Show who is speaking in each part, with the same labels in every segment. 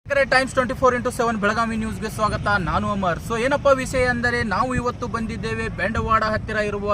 Speaker 1: Times 24x7 Belagavi ನ್ಯೂಸ್ಗೆ ಸ್ವಾಗತ. ನಾನು ಅಮರ್. ಸೊ ಏನಪ್ಪ ವಿಷಯ ಅಂದರೆ ನಾವು ಇವತ್ತು ಬಂದಿದ್ದೇವೆ ಬೆಂಡವಾಡ ಹತ್ತಿರ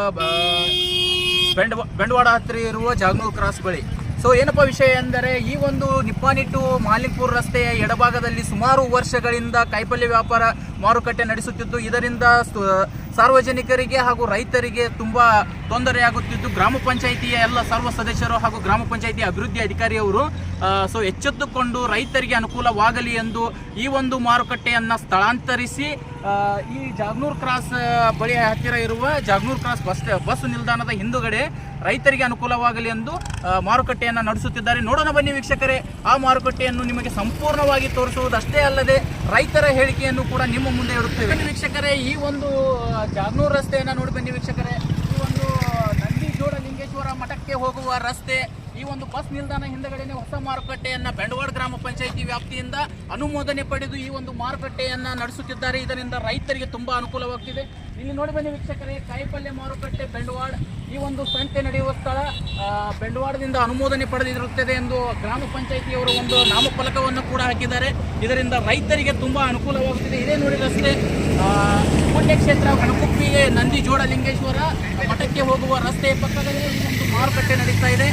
Speaker 1: ಇರುವ ಜಾಗನೂರ್ ಕ್ರಾಸ್ ಬಳಿ. ಸೊ ಏನಪ್ಪ ವಿಷಯ ಎಂದರೆ ಈ ಒಂದು ನಿಪ್ಪಾಣಿ ಟು ಮಾಲಿಂಗ್ಪುರ್ ರಸ್ತೆಯ ಎಡಭಾಗದಲ್ಲಿ ಸುಮಾರು ವರ್ಷಗಳಿಂದ ಕಾಯಿಪಲ್ಯ ವ್ಯಾಪಾರ ಮಾರುಕಟ್ಟೆ ನಡೆಸುತ್ತಿದ್ದು ಇದರಿಂದ ಸಾರ್ವಜನಿಕರಿಗೆ ಹಾಗೂ ರೈತರಿಗೆ ತುಂಬ ತೊಂದರೆಯಾಗುತ್ತಿದ್ದು ಗ್ರಾಮ ಪಂಚಾಯಿತಿಯ ಎಲ್ಲ ಸರ್ವ ಸದಸ್ಯರು ಹಾಗೂ ಗ್ರಾಮ ಪಂಚಾಯಿತಿ ಅಭಿವೃದ್ಧಿ ಅಧಿಕಾರಿಯವರು ಎಚ್ಚೆತ್ತುಕೊಂಡು ರೈತರಿಗೆ ಅನುಕೂಲವಾಗಲಿ ಎಂದು ಈ ಒಂದು ಮಾರುಕಟ್ಟೆಯನ್ನು ಸ್ಥಳಾಂತರಿಸಿ ಈ ಜಾಗನೂರ್ ಕ್ರಾಸ್ ಬಳಿ ಹತ್ತಿರ ಇರುವ ಜಾಗನೂರ್ ಕ್ರಾಸ್ ಬಸ್ ನಿಲ್ದಾಣದ ಹಿಂದುಗಡೆ ರೈತರಿಗೆ ಅನುಕೂಲವಾಗಲಿ ಎಂದು ಮಾರುಕಟ್ಟೆಯನ್ನು ನಡೆಸುತ್ತಿದ್ದಾರೆ. ನೋಡೋಣ ಬನ್ನಿ ವೀಕ್ಷಕರೇ, ಆ ಮಾರುಕಟ್ಟೆಯನ್ನು ನಿಮಗೆ ಸಂಪೂರ್ಣವಾಗಿ ತೋರಿಸುವುದಷ್ಟೇ ಅಲ್ಲದೆ ರೈತರ ಹೇಳಿಕೆಯನ್ನು ಕೂಡ ನಿಮ್ಮ ಮುಂದೆ ಇಡುತ್ತೇವೆ. ಬನ್ನಿ ವೀಕ್ಷಕರೇ, ಈ ಒಂದು ಜಾಗನೂರ್ ರಸ್ತೆಯನ್ನು ನೋಡಿ ಬನ್ನಿ ವೀಕ್ಷಕರೇ. ಈ ಒಂದು ನಂದಿಜೋಡಲಿಂಗೇಶ್ವರ ಮಠಕ್ಕೆ ಹೋಗುವ ರಸ್ತೆ, ಈ ಒಂದು ಬಸ್ ನಿಲ್ದಾಣ ಹಿಂದಗಡೆನೆ ಹೊಸ ಮಾರುಕಟ್ಟೆಯನ್ನು ಬೆಂಡವಾಡ ಗ್ರಾಮ ಪಂಚಾಯಿತಿ ವ್ಯಾಪ್ತಿಯಿಂದ ಅನುಮೋದನೆ ಪಡೆದು ಈ ಒಂದು ಮಾರುಕಟ್ಟೆಯನ್ನು ನಡೆಸುತ್ತಿದ್ದಾರೆ. ಇದರಿಂದ ರೈತರಿಗೆ ತುಂಬ ಅನುಕೂಲವಾಗ್ತಿದೆ. ಇಲ್ಲಿ ನೋಡಿ ಬನ್ನಿ ವೀಕ್ಷಕರೇ, ಕಾಯಿಪಲ್ಯ ಮಾರುಕಟ್ಟೆ ಬೆಂಡವಾಡ, ಈ ಒಂದು ಸಂತೆ ನಡೆಯುವ ಸ್ಥಳ ಬೆಂಡವಾಡದಿಂದ ಅನುಮೋದನೆ ಪಡೆದಿರುತ್ತದೆ ಎಂದು ಗ್ರಾಮ ಪಂಚಾಯಿತಿಯವರು ಒಂದು ನಾಮಫಲಕವನ್ನು ಕೂಡ ಹಾಕಿದ್ದಾರೆ. ಇದರಿಂದ ರೈತರಿಗೆ ತುಂಬ ಅನುಕೂಲವಾಗುತ್ತಿದೆ. ಇದೇ ನೋಡಿ ರಸ್ತೆ, ಪುಣ್ಯಕ್ಷೇತ್ರ ಕಣಕುಪ್ಪಿಗೆ ನಂದಿಜೋಡಲಿಂಗೇಶ್ವರ ಮಠಕ್ಕೆ ಹೋಗುವ ರಸ್ತೆಯ ಪಕ್ಕದಲ್ಲಿ ಈ ಒಂದು ಮಾರುಕಟ್ಟೆ ನಡೀತಾ ಇದೆ.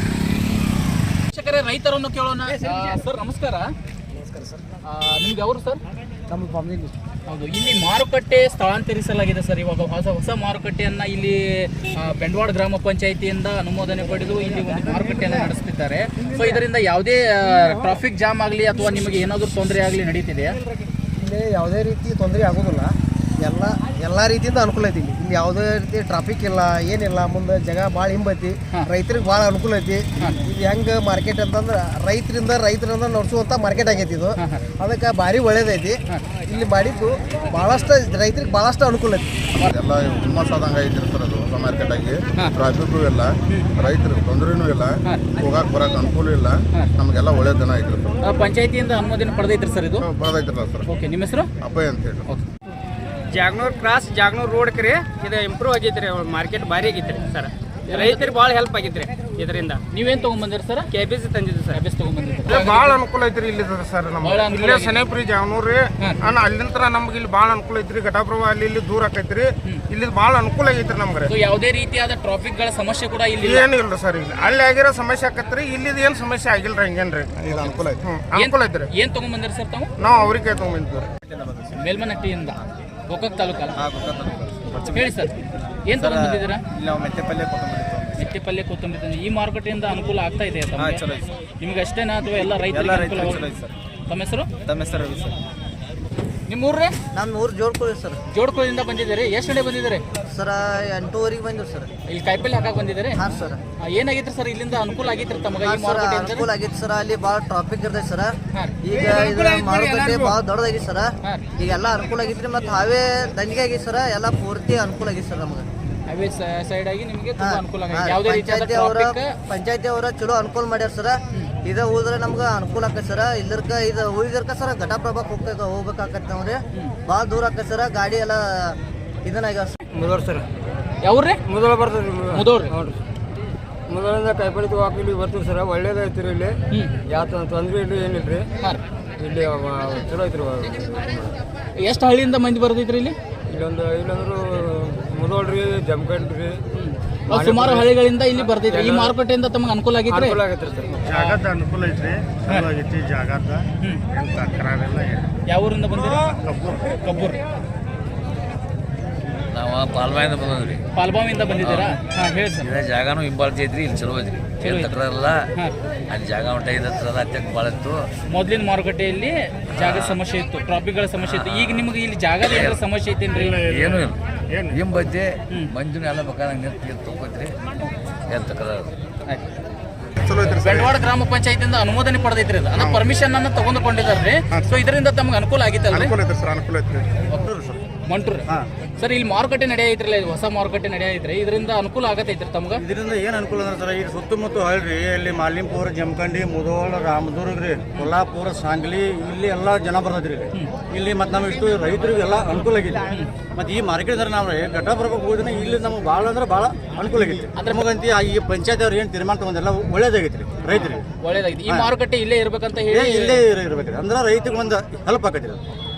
Speaker 1: ವೀಕ್ಷಕರೇ, ರೈತರನ್ನು ಕೇಳೋಣ. ಸರ್ ನಮಸ್ಕಾರ.
Speaker 2: ನಮಸ್ಕಾರ ಸರ್.
Speaker 1: ನಿಮ್ಗೆ ಅವರು ಸರ್?
Speaker 2: ನಮ್ಮ ಫ್ಯಾಮಿಲಿ.
Speaker 1: ಹೌದು, ಇಲ್ಲಿ ಮಾರುಕಟ್ಟೆ ಸ್ಥಳಾಂತರಿಸಲಾಗಿದೆ ಸರ್. ಇವಾಗ ಹೊಸ ಮಾರುಕಟ್ಟೆಯನ್ನು ಇಲ್ಲಿ ಬೆಂಡವಾಡ ಗ್ರಾಮ ಪಂಚಾಯಿತಿಯಿಂದ ಅನುಮೋದನೆ ಪಡೆದು ಇಲ್ಲಿ ಒಂದು ಮಾರುಕಟ್ಟೆಯನ್ನು ನಡೆಸುತ್ತಿದ್ದಾರೆ. ಸೊ ಇದರಿಂದ ಯಾವುದೇ ಟ್ರಾಫಿಕ್ ಜಾಮ್ ಆಗಲಿ ಅಥವಾ ನಿಮಗೆ ಏನಾದರೂ ತೊಂದರೆ ಆಗಲಿ ನಡೀತಿದೆಯಾ?
Speaker 2: ಇಲ್ಲಿ ಯಾವುದೇ ರೀತಿ ತೊಂದರೆ ಆಗೋದಿಲ್ಲ. ಎಲ್ಲ ರೀತಿಯಿಂದ ಅನುಕೂಲ ಐತಿ. ಇಲ್ಲಿ ಯಾವುದೇ ರೀತಿ ಟ್ರಾಫಿಕ್ ಇಲ್ಲ, ಏನಿಲ್ಲ. ಮುಂದೆ ಜಾಗ ಭಾಳ ಹಿಂಬೈತಿ, ರೈತರಿಗೆ ಭಾಳ ಅನುಕೂಲ ಐತಿ. ಇದು ಹೆಂಗೆ ಮಾರ್ಕೆಟ್ ಅಂತಂದ್ರೆ ರೈತರಿಂದ ನಡೆಸುವಂಥ ಮಾರ್ಕೆಟ್ ಆಗೈತಿ. ಇದು ಅದಕ್ಕೆ ಭಾರಿ ಒಳ್ಳೇದೈತಿ. ಇಲ್ಲಿ ಮಾಡಿದ್ದು ಭಾಳಷ್ಟು ರೈತರಿಗೆ ಭಾಳಷ್ಟು ಅನುಕೂಲ ಐತಿ.
Speaker 3: ಎಲ್ಲ ಹುಮ್ಮಸ್ಸಾದಂಗೆ ಐತಿ ಸರ್. ಅದು ಹೊಸ ಮಾರ್ಕೆಟ್ ಆಗಿ ಟ್ರಾಫಿಕ್ಕು ಇಲ್ಲ, ರೈತರಿಗೆ ತೊಂದರೆನೂ ಇಲ್ಲ, ಹೋಗಕ್ಕೆ ಬರಕ್ಕೆ ಅನುಕೂಲ ಇಲ್ಲ. ನಮಗೆಲ್ಲ ಒಳ್ಳೆ ದಿನ ಐತ್ರಿ ಸರ್.
Speaker 1: ಪಂಚಾಯಿತಿಯಿಂದ ಅನುಮೋದನೆ ಪಡೆದೈತ್ರಿ ಸರ್ ಇದು?
Speaker 3: ಬರೋದೈತ್ರಲ್ಲ ಸರ್.
Speaker 1: ಓಕೆ, ನಿಮ್ಮ ಹೆಸರು?
Speaker 3: ಅಪ್ಪಯ್ಯ ಅಂತ ಹೇಳಿ.
Speaker 1: Okay.
Speaker 4: Jaganur cross Jaganur road ಕ್ರಿ ಇದು ಇಂಪ್ರೂವ್ ಆಗೈತ್ರಿ. ಮಾರ್ಕೆಟ್ ಭಾರಿ ಆಗೈತ್ರಿ ಸರ್. ರೈತರಿಗೆ ಭಾಳ ಹೆಲ್ಪ್ ಆಗೈತ್ರಿ ಇದರಿಂದ.
Speaker 1: ನೀವೇನು ತೊಗೊಂಬಂದಿರಿ ಸರ್?
Speaker 4: ಕೆಬಿಸಿ ತಂದಿದ್ದು ಸರ್.
Speaker 1: ಕೆಬಿಸಿ ತೊಗೊಂಬಂದಿರಿ.
Speaker 5: ಭಾಳ ಅನುಕೂಲ ಐತ್ರಿ ಇಲ್ಲಿ ಸರ್. ನಮ್ಗೆ ಇಲ್ಲೇ ಸನೇಪ್ರಿ ಜಾಗನೂರಿ ಅಲ್ಲಿಂದ ನಮ್ಗೆ ಇಲ್ಲಿ ಭಾಳ ಅನುಕೂಲ ಐತ್ರಿ. ಘಟಪ್ರಭಾ ಇಲ್ಲಿ ದೂರ ಆಕೈತ್ರಿ. ಇಲ್ಲಿ ಭಾಳ ಅನುಕೂಲ ಆಗೈತ್ರಿ ನಮ್ಗೆ.
Speaker 1: ಯಾವುದೇ ರೀತಿಯಾದ ಟ್ರಾಫಿಕ್ ಗಳ ಸಮಸ್ಯೆ ಕೂಡ ಇಲ್ಲಿ
Speaker 5: ಏನು ಇಲ್ರಿ ಸರ್. ಇಲ್ಲಿ ಅಲ್ಲಿ ಆಗಿರೋ ಸಮಸ್ಯೆ ಆಕತ್ರಿ, ಇಲ್ಲಿ ಏನು ಸಮಸ್ಯೆ ಆಗಿಲ್ರಿ. ಹಂಗೇನ್ರಿ ಇದು ಅನುಕೂಲ ಐತಿ. ಅನುಕೂಲ ಐತ್ರಿ.
Speaker 1: ಏನ್ ತೊಗೊಂಬಂದಿರಿ ಸರ್ ತಾವು?
Speaker 5: ನಾವು ಅವ್ರಿಗೆ ತೊಗೊಂಬಂದಿವ್ರಿ.
Speaker 1: ಮೇಲ್ಮನಹಟ್ಟಿಯಿಂದ ಗೋಕಾಕ್ ತಾಲೂಕಲ್ಲ? ಹೇಳಿ ಸರ್, ಏನ್ ತಗೊಂಡ್ಬಂದಿದ್ದೀರಾ?
Speaker 6: ನಾವು ಮೆತ್ತೆಪಲ್ಯ
Speaker 1: ಮೆತ್ತೆಪಲ್ಯ ಕೊತ್ತಂಬರಿ. ಈ ಮಾರುಕಟ್ಟೆಯಿಂದ ಅನುಕೂಲ ಆಗ್ತಾ ಇದೆ ನಿಮ್ಗೆ ಅಷ್ಟೇನಾ ಅಥವಾ ಎಲ್ಲ ರೈತರಿಗೆ? ತಮ್ಮ ಹೆಸರು?
Speaker 6: ತಮ್ಮ ಹೆಸರು ರವಿ ಸರ್.
Speaker 1: ನಿಮ್ಮ ಊರ್ರೆ?
Speaker 2: ನಮ್ಮ ಊರು ಜೋಡ್ಕೊಳ್ಳಿ ಸರ್.
Speaker 1: ಜೋಡ್ಕೊಳ್ಳಿಂದ ಬಂದಿದ್ದೀರಿ. ಎಷ್ಟು ಗಂಟೆ ಬಂದಿದ್ದಾರೆ
Speaker 2: ಸರ್? 8:30 ಬಂದಿವಿ ಸರ್.
Speaker 1: ಇಲ್ಲಿ ಕಾಯಿಪಲ್ಲೆ ಹಾಕಕ್ಕೆ ಬಂದಿದ್ದಾರೆ?
Speaker 2: ಹಾಂ ಸರ್.
Speaker 1: ಏನಾಗಿತ್ತು ಸರ್ ಇಲ್ಲಿಂದ ಅನುಕೂಲ ಆಗಿತ್ತು ತಮಗೆ?
Speaker 2: ಅನುಕೂಲ ಆಗಿತ್ತು ಸರ್. ಅಲ್ಲಿ ಭಾಳ ಟ್ರಾಫಿಕ್ ಇರ್ತೈತೆ ಸರ್. ಈಗ ಇದು ಮಾರುಕಟ್ಟೆ ಭಾಳ ದೊಡ್ಡದಾಗಿತ್ತು ಸರ್. ಈಗೆಲ್ಲ ಅನುಕೂಲ ಆಗಿತ್ರಿ. ಮತ್ತು ಹಾವೇ ದಂಡಿಗೆ ಆಗಿತ್ತು ಸರ್. ಎಲ್ಲ ಪೂರ್ತಿ ಅನುಕೂಲ ಆಗಿತ್ತು ಸರ್ ನಮಗೆ.
Speaker 1: ಹೈವೇ ಸೈಡ್ ಆಗಿ ನಿಮಗೆ ತುಂಬಾ ಅನುಕೂಲ ಆಗಿದೆ. ಯಾವುದೇ ರೀತಿಯ
Speaker 2: ಪಂಚಾಯತಿ ಅವರ ಚಲೋ ಅನುಕೂಲ ಮಾಡ್ಯಾರ ಸರ್. ಇದು ಹೋದ್ರೆ ನಮ್ಗೆ ಅನುಕೂಲ ಆಕೈತೆ ಸರ್. ಇದು ಉಳಿದರ್ಕ ಸರ್ ಘಟಪ್ರಭಾಕ್ಕೆ ಹೋಗ್ಬೇಕಾಕತ್ತೆ ನಾವ್ರಿ. ಭಾಳ ದೂರ ಆಕೈತೆ ಸರ್. ಗಾಡಿ ಎಲ್ಲ ಇದನ್ನಾಗ್ಯಾವ ಸರ್.
Speaker 4: ಮುದೋರ್ ಸರ್.
Speaker 1: ಯಾವ್ರಿ?
Speaker 4: ಮುದೋಳ ಬರ್ತದೆ.
Speaker 1: ಮುದೋರ್.
Speaker 4: ನೋಡ್ರಿ, ಮುದೋಳಿಂದ ಕಾಯಿಪಲ್ಲೆ ತಗೋಕೆ ಇಲ್ಲಿ ಬರ್ತೀವಿ ಸರ್. ಒಳ್ಳೇದೈತ್ರಿ. ಇಲ್ಲಿ ಯಾವ ತೊಂದರೆ ಇಲ್ಲ, ಏನಿಲ್ರಿ. ಇಲ್ಲಿ ಚಲೋ ಐತ್ರಿ.
Speaker 1: ಎಷ್ಟು ಹಳ್ಳಿಯಿಂದ ಮಂದಿ ಬರ್ತೈತ್ರಿ ಇಲ್ಲಿ?
Speaker 4: ಇಲ್ಲಂದ್ರು ಮುದೋಳ್ರಿ, ಜಮಖಂಡ್ರಿ,
Speaker 1: ಸುಮಾರು ಹಳ್ಳಿಗಳಿಂದ ಇಲ್ಲಿ ಬರ್ತೈತ್ರಿ. ಈ ಮಾರುಕಟ್ಟೆಯಿಂದ ತಮಗೆ ಅನುಕೂಲ ಆಗೈತ್ರಿ?
Speaker 4: ಅನುಕೂಲ ಆಗೈತ್ರಿ ಸರ್.
Speaker 5: ಜಾಗದ ಅನುಕೂಲ ಐತ್ರಿ. ಚಲೋ ಆಗೈತಿ ಜಾಗದ. ಏನು ತಕರಾರಿಲ್ಲ.
Speaker 1: ಯಾವ ಊರಿಂದ ಬಂದಿರಿ? ಕಬ್ಬೂರ್.
Speaker 6: ನಾವು ಪಾಲ್ಬಾಯಿಂದ ಬಂದ್ರಿ.
Speaker 1: ಪಾಲ್ಬಾವಿಂದ ಬಂದಿದ್ದೀರಾ? ಹಾಂ, ಹೇಳಿ ಸರ್.
Speaker 6: ಇದೇ ಜಾಗನೂ ಹಿಂಬಾಳ್ತಿ ಐತ್ರಿ. ಇಲ್ಲಿ ಚಲೋ ಐತ್ರಿ. ಏನು ತಕರಾರಿಲ್ಲ. ಅಲ್ಲಿ ಜಾಗ ಉಂಟಾಗಿದ್ದ ಅತ್ಯಂತ ಭಾಳ ಇತ್ತು.
Speaker 1: ಮೊದಲಿನ ಮಾರುಕಟ್ಟೆಯಲ್ಲಿ ಜಾಗದ ಸಮಸ್ಯೆ ಇತ್ತು, ಟ್ರಾಫಿಕ್ಗಳ ಸಮಸ್ಯೆ ಇತ್ತು. ಈಗ ನಿಮ್ಗೆ ಇಲ್ಲಿ ಜಾಗದ ಏನಾರ ಸಮಸ್ಯೆ ಐತೇನ್ರಿ?
Speaker 6: ಏನೂ ಇಲ್ಲ. ಹಿಂಬೈತೆ ಮಂಜುನ ಎಲ್ಲ ಬೇಕಾದಂಗೆ ತಗೋತ್ರಿ. ಏನು ತಕರಾರು.
Speaker 1: ಬೆಂಡವಾಡ ಗ್ರಾಮ ಪಂಚಾಯತಿಯಿಂದ ಅನುಮೋದನೆ ಪಡೆದೈತ್ರಿ. ಅದು ಪರ್ಮಿಷನ್ ಅನ್ನು ತಗೊಂಡ್ಕೊಂಡಿದ್ದಾರೆ. ಸೊ ಇದರಿಂದ ತಮ್ಗೆ ಅನುಕೂಲ ಆಗಿತ್ತಲ್ರಿ?
Speaker 5: ಅನುಕೂಲ ಐತ್ರಿ.
Speaker 1: ಮಂಟೂರ್ ಸರ್, ಇಲ್ಲಿ ಮಾರುಕಟ್ಟೆ ನಡೆಯೈತ್ರಲ್ಲ, ಹೊಸ ಮಾರುಕಟ್ಟೆ ನಡೆಯೈತ್ರಿ. ಇದರಿಂದ ಅನುಕೂಲ ಆಗತೈತ್ರಿ ತಮ್ಗೆ?
Speaker 7: ಇದರಿಂದ ಏನು ಅನುಕೂಲ ಅಂದ್ರೆ ಸರ್, ಈಗ ಸುತ್ತಮುತ್ತ ಹಳ್ಳಿ ಅಲ್ಲಿ ಮಾಲಿಂಪುರ, ಜಮಖಂಡಿ, ಮುಧೋಳ, ರಾಮದುರ್ಗ ರೀ, ಕೊಲ್ಲಾಪುರ, ಸಾಂಗ್ಲಿ, ಇಲ್ಲಿ ಎಲ್ಲ ಜನ ಬರ್ತೈತ್ರಿ. ಇಲ್ಲಿ ಮತ್ತು ನಮ್ಗೆ ಇಷ್ಟು ರೈತರಿಗೆಲ್ಲ ಅನುಕೂಲ ಆಗಿದೆ. ಮತ್ತು ಈ ಮಾರ್ಕೆಟ್ ನಾವು ಘಟಪ್ರಭಾಕ್ಕೆ ಹೋದ್ರೆ ಇಲ್ಲಿ ನಮ್ಗೆ ಭಾಳ ಅಂದ್ರೆ ಭಾಳ ಅನುಕೂಲ ಆಗೈತಿ. ಅಂದ್ರೆ ನಮಗಂತ ಈ ಪಂಚಾಯತ್ ಅವ್ರು ಏನು ತೀರ್ಮಾನ ತಗೊಂಡೆಲ್ಲ ಒಳ್ಳೇದಾಗೈತಿ ರೀ ರೈತರಿಗೆ.
Speaker 1: ಒಳ್ಳೇದಾಗಿದೆ. ಈ ಮಾರುಕಟ್ಟೆ ಇಲ್ಲೇ ಇರ್ಬೇಕಂತ ಹೇಳಿ
Speaker 7: ಇಲ್ಲೇ ಇರ್ಬೇಕ್ರಿ ಅಂದ್ರೆ ರೈತರಿಗೆ ಒಂದು ಹೆಲ್ಪ್ ಆಕೈತಿ.